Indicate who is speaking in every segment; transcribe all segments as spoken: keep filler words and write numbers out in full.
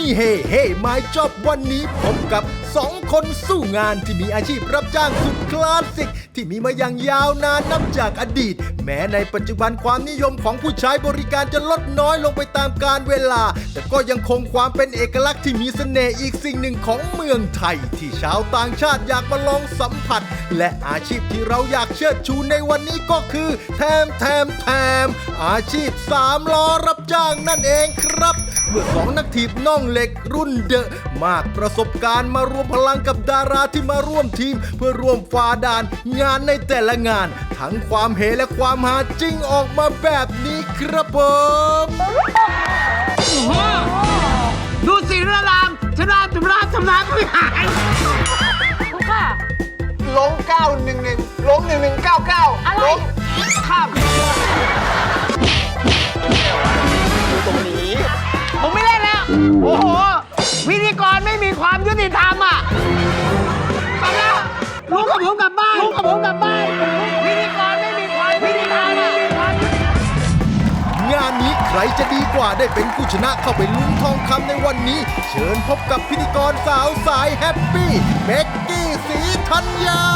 Speaker 1: เฮเฮไม้จอบวันนี้พบกับสองคนสู้งานที่มีอาชีพรับจ้างสุดคลาสสิกที่มีมาอย่างยาวนานนับจากอดีตแม้ในปัจจุบันความนิยมของผู้ใช้บริการจะลดน้อยลงไปตามกาลเวลาแต่ก็ยังคงความเป็นเอกลักษณ์ที่มีเสน่ห์อีกสิ่งหนึ่งของเมืองไทยที่ชาวต่างชาติอยากมาลองสัมผัสและอาชีพที่เราอยากเชิดชูในวันนี้ก็คือแถมแถมแถมอาชีพสามล้อรับจ้างนั่นเองครับเมื่อสองนักถีบน่องเหล็กรุ่นเดอะมากประสบการณ์มารวมพลังกับดาราที่มาร่วมทีมเพื่อร่วมฝ่าด่านงานในแต่ละงานทั้งความเฮและความฮาจริงออกมาแบบนี้ครับผม
Speaker 2: ดูสิเรื่องรามชนะจุฬาชนะไม่หาย
Speaker 3: ทุกค่ะ
Speaker 4: ลงเก้าหนึ่งหนึ่งลงหนึ่งหนึ่งเก้าเก้า
Speaker 3: อะไร
Speaker 4: ข้ามอยู่ตรงนี้
Speaker 2: ผมไม่เล่นแล้วโอ้โหพิธีกรไม่มีความยุติธรรมอ่ะกลับแล้วลุงกับผมกลับบ้านลุงกับผมกลับบ้านพิธีกรไม่มีความยุติธรรมอ่ะ
Speaker 1: งานนี้ใครจะดีกว่าได้เป็นผู้ชนะเข้าไปลุ้นทองคำในวันนี้เชิญพบกับพิธีกรสาวสายแฮปปี้เบกกี้ศรีธัญญา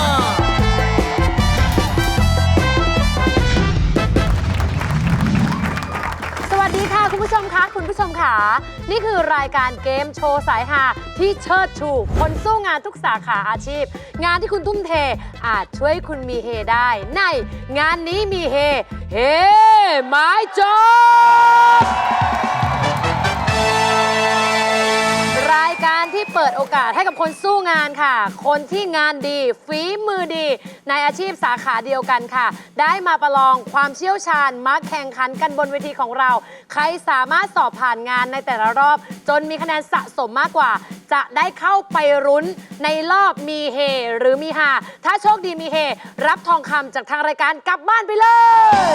Speaker 3: สวัสดีค่ะคุณผู้ชมคะคุณผู้ชมค่ะนี่คือรายการเกมโชว์สายฮาที่เชิดชูคนสู้งานทุกสาขาอาชีพงานที่คุณทุ่มเทอาจช่วยคุณมีเฮได้ในงานนี้มีเฮเฮไม้จบรายการที่เปิดโอกาสให้กับคนสู้งานค่ะคนที่งานดีฝีมือดีในอาชีพสาขาเดียวกันค่ะได้มาประลองความเชี่ยวชาญมาแข่งขันกันบนเวทีของเราใครสามารถสอบผ่านงานในแต่ละรอบจนมีคะแนนสะสมมากกว่าจะได้เข้าไปรุ้นในรอบมีเฮหรือมีฮาถ้าโชคดีมีเฮรับทองคำจากทางรายการกลับบ้านไปเลย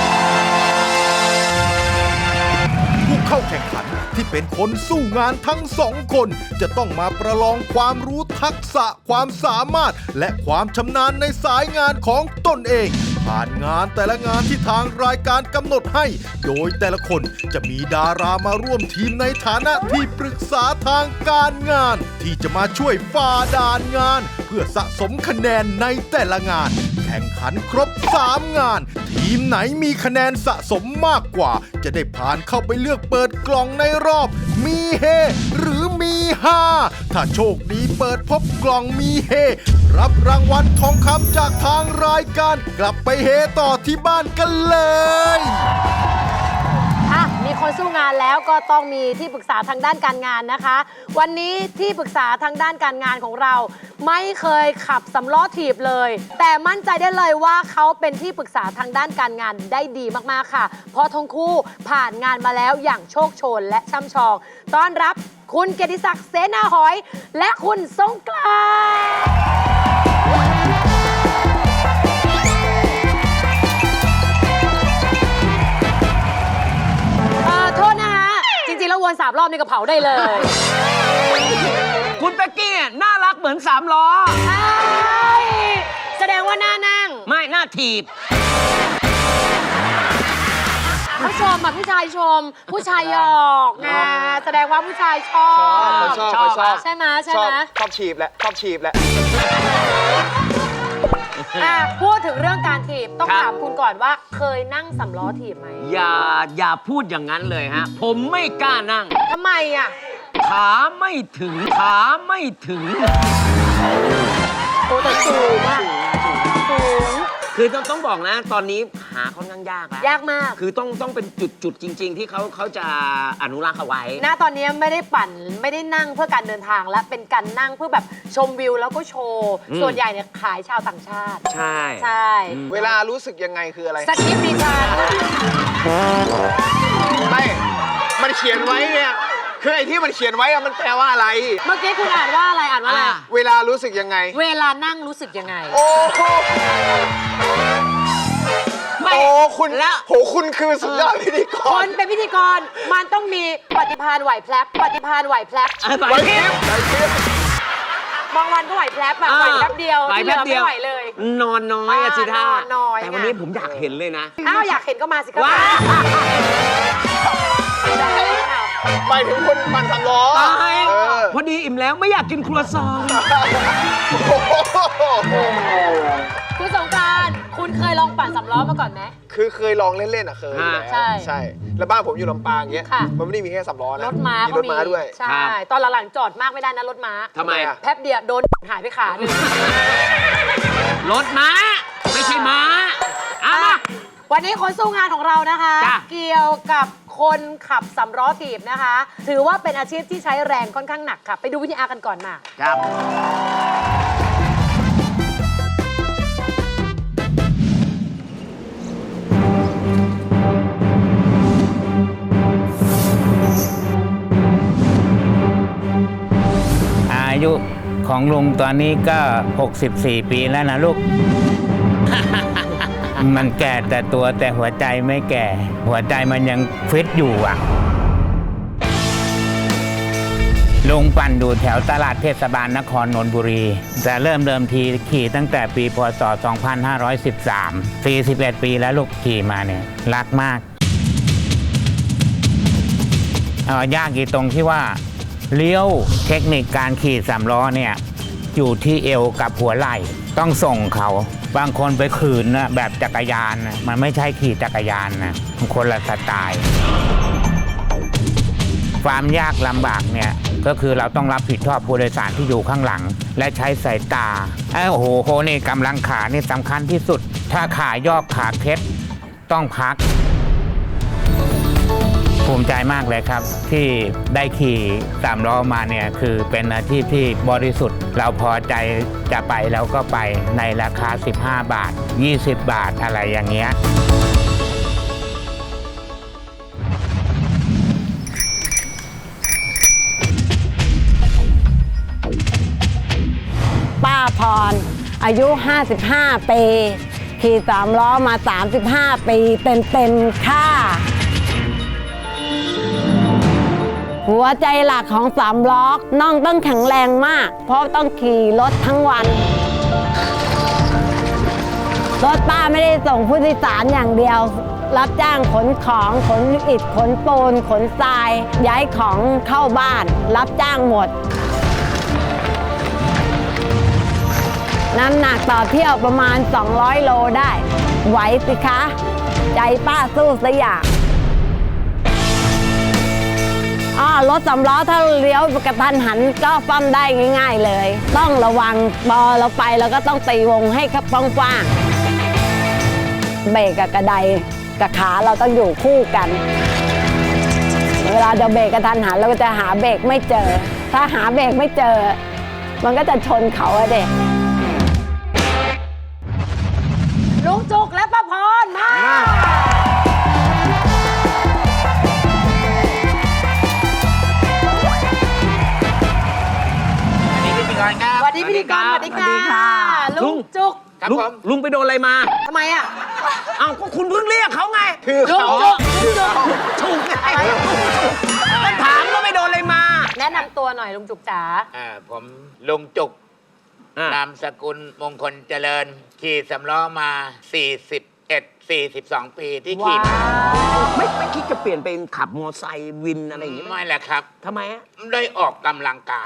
Speaker 1: ผู้เข้าแข่งขันที่เป็นคนสู้งานทั้งสองคนจะต้องมาประลองความรู้ทักษะความสามารถและความชำนาญในสายงานของตนเองผ่านงานแต่ละงานที่ทางรายการกำหนดให้โดยแต่ละคนจะมีดารามาร่วมทีมในฐานะที่ปรึกษาทางการงานที่จะมาช่วยฝ่าด่านงานเพื่อสะสมคะแนนในแต่ละงานแข่งขันครบสามงานทีมไหนมีคะแนนสะสมมากกว่าจะได้ผ่านเข้าไปเลือกเปิดกล่องในรอบมีเฮหรือมีฮาถ้าโชคดีเปิดพบกล่องมีเฮรับรางวัลทองคำจากทางรายการกลับไปเฮต่อที่บ้านกันเลย
Speaker 3: อ่ะมีคนสู้งานแล้วก็ต้องมีที่ปรึกษาทางด้านการงานนะคะวันนี้ที่ปรึกษาทางด้านการงานของเราไม่เคยขับสำล้อถีบเลยแต่มั่นใจได้เลยว่าเขาเป็นที่ปรึกษาทางด้านการงานได้ดีมากๆค่ะเพราะทั้งคู่ผ่านงานมาแล้วอย่างโชคโชนและช่ำชองต้อนรับคุณเกียรติศักดิ์เสนาหอยและคุณสงกรานต์โทษนะฮะจริงๆแล้ววนสามรอบนี่ก็เผาได้เลย
Speaker 2: คุณเป็กกี้น่ารักเหมือนสามล้อ
Speaker 3: ใช่แสดงว่าหน้านั่ง
Speaker 2: ไม่หน้าถีบ
Speaker 3: ผู้ชมอ่ะผู้ชายชมผู้ชายหยอกนะแสดงว่าผู้ชายชอบ
Speaker 4: ชอบชอบชอบ
Speaker 3: ใช่ไหมใช่ไหม
Speaker 4: ชอบถีบแหละชอบถีบแหละ
Speaker 3: พูดถึงเรื่องการถีบต้องถามคุณก่อนว่าเคยนั่งสำล้อถีบไหม
Speaker 2: อย่าอย่าพูดอย่างนั้นเลยฮะผมไม่กล้านั่ง
Speaker 3: ทำไมอ่ะ
Speaker 2: ขาไม่ถึงขาไม่ถึง
Speaker 3: โอ้แต่สูงอ่ะสูง
Speaker 2: คือต้องต้องบอกนะตอนนี้หาค่อนข้างยากแล้ว
Speaker 3: ยากมาก
Speaker 2: คือต้องต้องเป็นจุดจุดจริงๆที่เขาเขาจะอนุรักษ์เอาไว้
Speaker 3: ณตอนนี้ไม่ได้ปั่นไม่ได้นั่งเพื่อการเดินทางและเป็นการนั่งเพื่อแบบชมวิวแล้วก็โชว์ส่วนใหญ่เนี่ยขายชาวต่างชาติ
Speaker 2: ใช่
Speaker 3: ใช่
Speaker 4: เวลารู้สึกยังไงคืออะไร
Speaker 3: สคริปต์ดิฉัน
Speaker 4: ไม่มันเขียนไว้เนี่ยคือไอ้ที่มันเขียนไว้มันแปลว่าอะไร
Speaker 3: เมื่อกี้คุณอ่านว่าอะไรอ่านว่าอะไร
Speaker 4: เวลารู้สึกยังไง
Speaker 3: เวลานั่งรู้สึกยังไง
Speaker 4: โอ้โหโอ้คุณละโหคุณคือสุดยอดพิธีกร
Speaker 3: คนเป็นพิธีกรมันต้องมีปฏิภาณไหวแพลบปฏิภาณไหวแพลบ
Speaker 4: ไหวพริบไหวพริ
Speaker 3: บบางวันก็ไหวแพลบแบบไหวแป๊บเดียวที่เหลือไม่ไหวเลย
Speaker 2: นอนน้อยอะสิท่าแต่วันนี้ผมอยากเห็นเลยนะ
Speaker 3: อ้าวอยากเห็นก็มาสิครับ
Speaker 4: ไปถึงคนปั่นสามล้อ
Speaker 2: ตาย
Speaker 4: เออ
Speaker 2: พอดีอิ่มแล้วไม่อยากกินครัวซอง
Speaker 3: คุณสงกรานต์คุณเคยลองปั่นสำล้อมาก่อนไหม
Speaker 4: คือเคยลองเล่นๆอ่ะเคยอยู่แล้ว
Speaker 3: ใช่
Speaker 4: ใช่ แล้วบ้านผมอยู่ลำปางเงี้ย
Speaker 3: ค่ะ
Speaker 4: มันไม่ได้มีแค่สามล้อนะ
Speaker 3: รถม้า
Speaker 4: มี
Speaker 3: ก็
Speaker 4: รถม้าด้วย
Speaker 3: ใช่ ตอนหลังๆจอดมากไม่ได้นะรถม้า
Speaker 2: ทำไมอะ
Speaker 3: แป๊บเดียวโดนหายไปขาหนึ่ง
Speaker 2: รถม้า ไม่ใช่ม้าเอามา
Speaker 3: วันนี้คนสู้งานของเรานะคะ
Speaker 2: จ้ะ
Speaker 3: เกี่ยวกับคนขับสำล้อถีบนะคะ ถือว่าเป็นอาชีพที่ใช้แรงค่อนข้างหนักค่ะ ไปดูวิธีอากันก่อนมา
Speaker 2: ครับ
Speaker 5: อายุของลุงตอนนี้ก็ หกสิบสี่ ปีแล้วนะลูก มันแก่แต่ตัวแต่หัวใจไม่แก่ หัวใจมันยังฟิตอยู่อ่ะ ลุงปั่นอยู่แถวตลาดเทศบาลนครนนทบุรี แต่เริ่มเดิมทีขี่ตั้งแต่ปีพศ สองพันห้าร้อยสิบสาม สี่สิบเอ็ด ปีแล้วลูกขี่มาเนี่ยรักมากเอายากอีกตรงที่ว่าเลี้ยวเทคนิคการขี่สามล้อเนี่ยอยู่ที่เอวกับหัวไหล่ต้องส่งเขาบางคนไปขืนนะแบบจักรยานนะมันไม่ใช่ขี่จักรยานนะมันคนละสไตล์ความยากลำบากเนี่ยก็คือเราต้องรับผิดชอบผู้โดยสารที่อยู่ข้างหลัง และใช้สายตาไอ้โอ้โหโหนี่กำลังขานี่สำคัญที่สุด ถ้าขายอกขาเคล็ดต้องพัก ภูมิใจมากเลยครับที่ได้ขี่สามล้อมาเนี่ยคือเป็นอาชีพที่บริสุทธิ์ เราพอใจจะไปแล้วก็ไปในราคาสิบห้าบาทยี่สิบบาทอะไรอย่างเงี้ย
Speaker 6: ป้าพรอายุ ห้าสิบห้า ปีขี่สามล้อมา สามสิบห้า ปีเต็มๆค่ะ หัวใจหลักของสามล้อน่องต้องแข็งแรงมาก เพราะต้องขี่รถทั้งวัน รถป้าไม่ได้ส่งผู้โดยสารอย่างเดียว รับจ้างขนของขนอิฐขนปูนขนทราย ย้ายของเข้าบ้าน รับจ้างหมด น้ำหนักต่อเที่ยวประมาณ สองร้อย โลได้ ไหวสิคะ ใจป้าสู้สยามอ้อรถสำล้อถ้าเลี้ยวกระทันหันก็ฟั่มได้ง่ายๆเลย ต้องระวังพอเราไปเราก็ต้องตีวงให้กว้างๆเบรกกับกระไดกับขาเราต้องอยู่คู่กัน เวลาจะเบรกกระทันหันเราก็จะหาเบรกไม่เจอ ถ้าหาเบรกไม่เจอ มันก็จะชนเขาอะเด็ก
Speaker 3: ลุงจุกและป้าพรมา สวัสดีพิธีกรสวัสดีค่ะ
Speaker 2: ลุ
Speaker 3: ลุ
Speaker 2: ง
Speaker 3: งจุก
Speaker 4: ครับ
Speaker 2: ลุง
Speaker 4: ผม
Speaker 2: ลุงไปโดนอะไรมา
Speaker 3: ทำไมอ่ะ
Speaker 2: เอ้าก็คุณเพิ่งเรียกเขาไง
Speaker 4: คือ
Speaker 3: ลุง
Speaker 4: เขา
Speaker 3: จุกลุงจุก
Speaker 2: ถูกไง
Speaker 3: อะไร
Speaker 2: ก็ถามว่าไปโดนอะไรมา
Speaker 3: แนะนำตัวหน่อยลุงจุกจ๋า
Speaker 7: อ่าผมลุงจุก
Speaker 2: อ่ะ
Speaker 7: นามสกุลมงคลเจริญ ขี่สำล้อมา สี่สิบเอ็ด สี่สิบสอง ปีที่ขี่มา
Speaker 2: ไม่ไม่คิดจะเปลี่ยนเป็นขับมอไซค์วินอะไรอย่างงี้ไหม
Speaker 7: ไม่แหละครับ
Speaker 2: ทำไมอะ
Speaker 7: ได้ออกกำลังกาย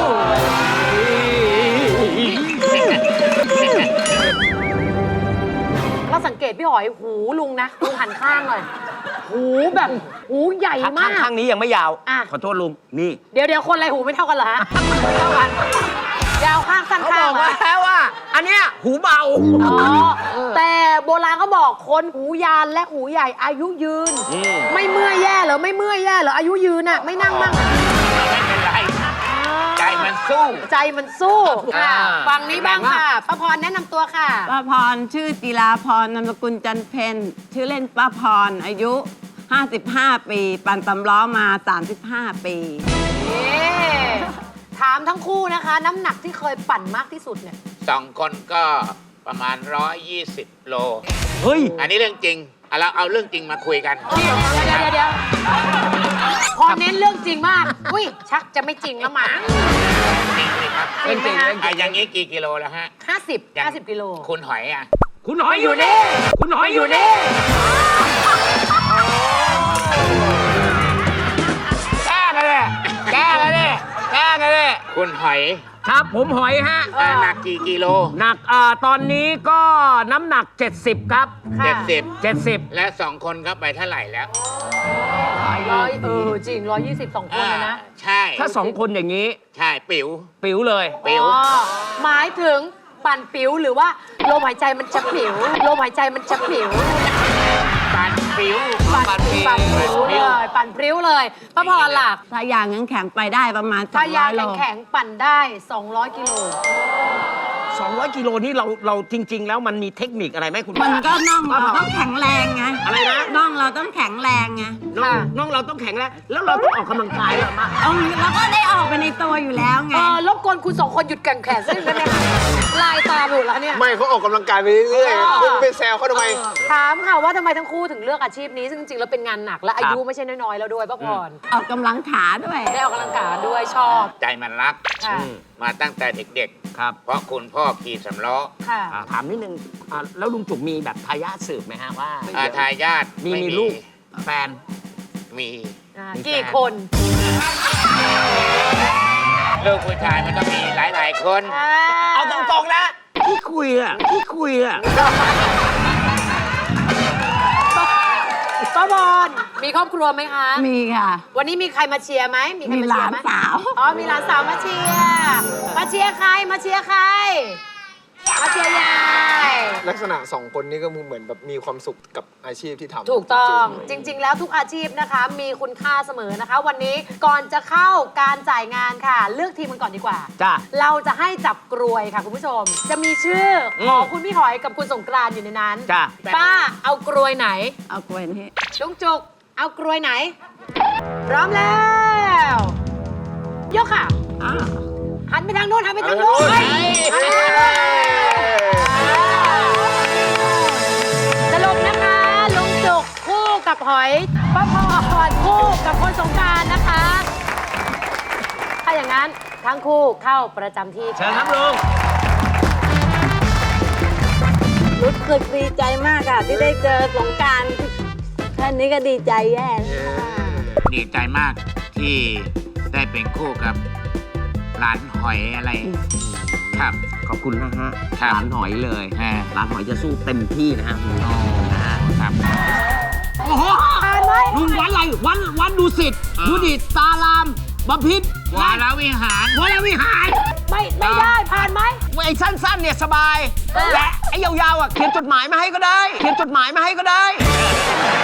Speaker 3: เราสังเกตพี่หอยหูลุงนะลุงหันข้างหน่อยหูแบบหูใหญ่
Speaker 2: ข้าง
Speaker 3: มาก
Speaker 2: ข้างนี้ยังไม่ยาว
Speaker 3: อ่ะ
Speaker 2: ขอโทษลุง นี่
Speaker 3: เดี๋ยวเดี๋ยวคนอะไรหูไม่เท่ากันเหรอฮะไม่เท่ากัน ยาวข้างสั้น
Speaker 2: เขา
Speaker 3: ข้า
Speaker 2: บ
Speaker 3: ง
Speaker 2: อก
Speaker 3: เหรอ
Speaker 2: แล้วว่า อันเนี้ยหูเบา
Speaker 3: อ๋อแต่โบราณเขาบอกคนหูยานและหูใหญ่อายุยืน
Speaker 2: อืม
Speaker 3: ไม่เมื่อยแย่เหรอไม่เมื่อยแย่เหรออายุยืนน่ะไม่นั่งมั่ง
Speaker 7: ไม่เป็นไร ใจมันสู้
Speaker 3: ใจมันสู้ค่ะ
Speaker 2: อ่า
Speaker 3: ฟังนี้บ้างค่ะป้าพรแนะนำตัวค่ะ
Speaker 6: ป้าพรชื่อจิราพรนามสกุลจันเพนชื่อเล่นป้าพรอายุ ห้าสิบห้า ปี ปั่นตำล้อมา สามสิบห้า ปี
Speaker 3: นี่ถามทั้งคู่นะคะ น้ำหนักที่เคยปั่นมากที่สุดเนี่ย
Speaker 7: สองคนก็ประมาณ หนึ่งร้อยยี่สิบ โล
Speaker 2: เฮ้ย
Speaker 7: อันนี้เรื่องจริงเอาเราเอาเรื่องจริงมาคุยกัน
Speaker 3: เดี๋ยวเดี๋ยวเดี๋ยวเดี๋ยวพอเน้นเรื่องจริงมาก อุ้ยชักจะไม่จริงแล้วหมา
Speaker 7: จริงเลยครับ
Speaker 3: จริงไหมคะ
Speaker 7: อ่ะอย่างนี้กี่กิโลแล้วฮะ
Speaker 3: ห้าสิบ
Speaker 7: อย่าง
Speaker 3: ห้าสิบกิโล
Speaker 7: คุณหอยอ่ะ
Speaker 2: คุณหอยอยู่นี่ คุณหอยอยู่นี่
Speaker 3: เ
Speaker 2: ล้งกันดิแกล้งกันดิ
Speaker 7: คุณหอย
Speaker 2: ครับผมหอยฮะ
Speaker 7: อ่าหนักกี่กิโล
Speaker 2: หนักอ่าตอนนี้ก็น้ำหนัก เจ็ดสิบ ครับ
Speaker 3: ค่ะ
Speaker 7: เจ็ดสิบ
Speaker 2: เจ็ดสิบ
Speaker 7: และสองคนก็ไปเท่าไหร่แล้ว
Speaker 3: ร้อยเออจริงร้อยยี่สิบสองคนเลยนะ
Speaker 7: อ่าใช่
Speaker 2: ถ้าสองคนอย่างนี้
Speaker 7: ใช่ปิ๋ว
Speaker 2: ปิ๋วเลย
Speaker 7: ปิ๋ว
Speaker 3: อ๋อหมายถึงปั่นปิ๋วหรือว่าลมหายใจมันจะปิ๋วลมหายใจมันจะปิ๋ว
Speaker 7: ปันปิ๋ว
Speaker 3: ปั่นปิ๋วปั่นปิ๋วเลยปั่นพริ้วเลยป้าพรล่ะ
Speaker 6: ถ้ายางแข็งๆไปได้ประมาณ
Speaker 3: ถ้ายา
Speaker 6: สองร้อยโล
Speaker 3: แข็งๆปั่นได้ สองร้อยกิโล
Speaker 2: สองร้อยกิโลนี่เราเราจริง ๆ แล้วมันมีเทคนิคอะไรไหมคุณ
Speaker 6: มันก็น่อง
Speaker 2: ป้า
Speaker 6: เรา
Speaker 2: พร
Speaker 6: ต้องแข็งแรงไง
Speaker 2: อะไรนะ
Speaker 6: น่องเราต้องแข็งแรงไง
Speaker 2: น้องน้องเราต้องแข็งแรงแล้วเราต้องออกกำลังกายเหรอมา
Speaker 6: เอาเราก็ได้ออกไปในตัวอยู่แล้วไง
Speaker 3: เออรบกวนคุณสองคนหยุดแก่งแขนสักนิดได้ไหมคะลายตาหมดแล้วเนี่ย
Speaker 4: ไม่เขาออกกำลังกายไปเรื่อย
Speaker 3: เออ
Speaker 4: ๆคุณไปแซวเขาทำไม
Speaker 3: ถามค่ะว่าทำไมทั้งคู่ถึงเลือกอาชีพนี้ซึ่งจริงๆแล้วเป็นงานหนักและอายุไม่ใช่น้อยๆแล้วด้วยป้าพร
Speaker 6: ออกกำลังขาด้วย
Speaker 3: ได้ออกกำลังกายด้วยชอบ
Speaker 7: ใจมันรัก
Speaker 3: ค่ะ
Speaker 7: มาตั้งแต่เด็ก
Speaker 2: ครับ
Speaker 7: ๆ เพราะคุณพ่อขี่สำล้อ
Speaker 3: ค่ะ
Speaker 2: อ่าถามนิดนึงอ่าแล้วลุงจุกมีแบบทายาทสืบไหมฮะว่า
Speaker 7: อาทายาท
Speaker 2: มี
Speaker 7: ไ
Speaker 2: มีลูกแฟน
Speaker 7: มี
Speaker 3: อ่า
Speaker 2: มีแฟน
Speaker 3: กี่คน
Speaker 7: ลูกผู้ชายมันต้องมีหลาย ๆ คน
Speaker 2: เอาตรงๆนะที่คุยอะที่คุยอะ
Speaker 3: ป้าบอลมีครอบครัวไหมคะ
Speaker 6: มีค่ะ
Speaker 3: วันนี้มีใครมาเชียร์ไหมมีใคร
Speaker 6: มี
Speaker 3: มา
Speaker 6: ห
Speaker 3: เชีย
Speaker 6: ลา
Speaker 3: ร์
Speaker 6: น
Speaker 3: ไหม
Speaker 6: สาว
Speaker 3: อ๋อมีหลานสาวมาเชียร์มาเชียร์ใครมาเชียร์ใครมาเชียร์ยาย
Speaker 4: ลักษณะสองคนนี้ก็เหมือนแบบมีความสุขกับอาชีพที่ทำ
Speaker 3: ถูกต้อง
Speaker 4: ๆ
Speaker 3: จริง ๆ แล้วทุกอาชีพนะคะ มีคุณค่าเสมอนะคะ วันนี้ก่อนจะเข้าการจ่ายงานค่ะ เลือกทีมกันก่อนดีกว่า
Speaker 2: จ้า
Speaker 3: เราจะให้จับกรวยค่ะคุณผู้ชม จะมีชื่อของคุณพี่หอยกับคุณสงกรานต์อยู่ในนั้น
Speaker 2: จ้ะ
Speaker 3: ป้าเอากรวยไหน
Speaker 6: เอากล้วยนี่
Speaker 3: ลุงจุกเอากรวยไหน พร้อมแล้ว ยกค่ะ
Speaker 6: อ้าว
Speaker 3: หันไปทางโน้นหันไปทางโน้น
Speaker 4: หันไปทางโน้น
Speaker 3: หันไปทางโน้นสรุปนะคะลุงจุกคู่กับหอยป้าพรคู่กับคนสงกรานต์นะคะ ถ้าอย่างนั้นทั้งคู่เข้าประจำที่
Speaker 2: เชิญครับลุง
Speaker 6: รู้สึกดีใจมากค่ะที่ได้เจอสงกรารแค่นี้ก็ดีใจแย่แล้ว
Speaker 7: ดีใจมากที่ได้เป็นคู่กับหลานหอยอะไร ครับ
Speaker 2: ขอบคุณนะฮะ
Speaker 7: ครับ
Speaker 2: หลานหอยเลย
Speaker 7: อ่า
Speaker 2: หลานหอยจะสู้เต็มที่นะฮะ
Speaker 7: อ๋อครับ
Speaker 2: โอ้โห
Speaker 3: ผ่านไหม
Speaker 2: ลุงวันอะไรวันวันดูสิทธิ์ดูดิตตารามบพิษ
Speaker 7: วรวิหาร
Speaker 2: วรวิหาร
Speaker 3: ไม่ไม่ได้ผ่านไหม
Speaker 2: ไอ้สั้นๆเนี่ยสบาย
Speaker 3: เออ
Speaker 2: และไอ้ยาวๆอ่ะเขียนจดหมายมาให้ก็ได้ เขียนจดหมายมาให้ก็ได้